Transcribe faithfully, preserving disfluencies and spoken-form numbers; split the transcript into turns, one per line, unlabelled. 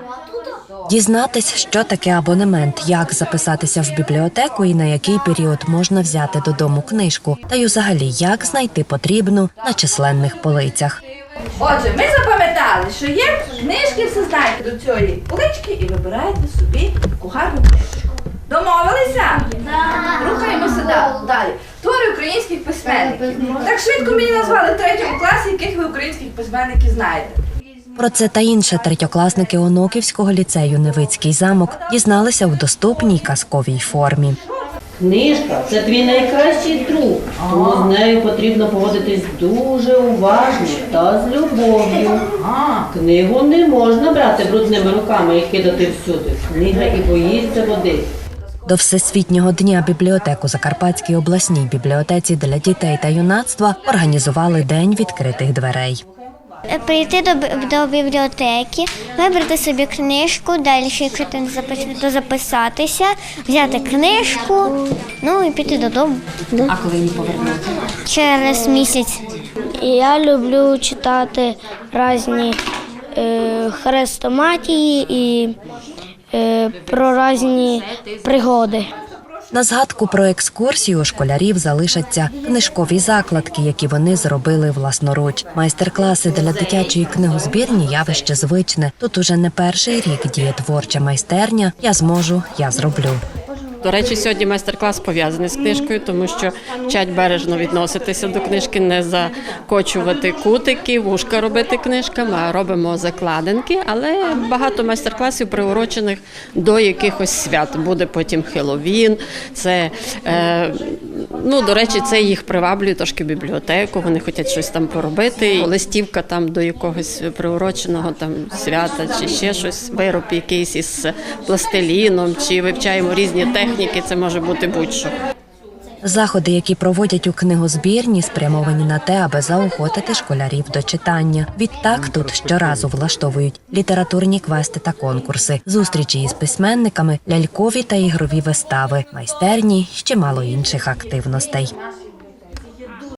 Дізнатись, що таке абонемент, як записатися в бібліотеку і на який період можна взяти додому книжку, та й взагалі, як знайти потрібну на численних полицях.
Отже, ми запам'ятали, що є книжки, все знаєте до цієї полички і вибираєте собі кухарну книжку. Домовилися? Так. Рухаємося далі. Твори українських письменників. Так швидко мені назвали в третьому класі, яких ви українських письменників знаєте.
Про це та інше третьокласники Оноківського ліцею «Невицький замок» дізналися у доступній казковій формі.
Книжка – це твій найкращий друг, тому з нею потрібно поводитись дуже уважно та з любов'ю. Книгу не можна брати брудними руками і кидати всюди. Книга і боїться води.
До Всесвітнього дня бібліотек у Закарпатській обласній бібліотеці для дітей та юнацтва організували День відкритих дверей.
Прийти до, до бібліотеки, вибрати собі книжку, далі, якщо ти не записаний, то записатися, взяти книжку, ну і піти додому.
А коли її повернути?
Через місяць.
Я люблю читати різні е, хрестоматії і е, про різні пригоди.
На згадку про екскурсію у школярів залишаться книжкові закладки, які вони зробили власноруч. Майстер-класи для дитячої книгозбірні – явище звичне. Тут уже не перший рік діє творча майстерня «Я зможу, я зроблю».
До речі, сьогодні майстер-клас пов'язаний з книжкою, тому що вчать бережно відноситися до книжки, не закочувати кутики, вушка робити книжками, а робимо закладинки. Але багато майстер-класів приурочених до якихось свят. Буде потім Хеллоуін, це, е, ну, до речі, це їх приваблює трошки в бібліотеку, вони хочуть щось там поробити. Листівка там до якогось приуроченого там свята чи ще щось, вироб якийсь із пластиліном, чи вивчаємо різні техніки. Це може бути будь-що.
Заходи, які проводять у книгозбірні, спрямовані на те, аби заохотити школярів до читання. Відтак тут щоразу влаштовують літературні квести та конкурси, зустрічі із письменниками, лялькові та ігрові вистави, майстерні, ще мало інших активностей.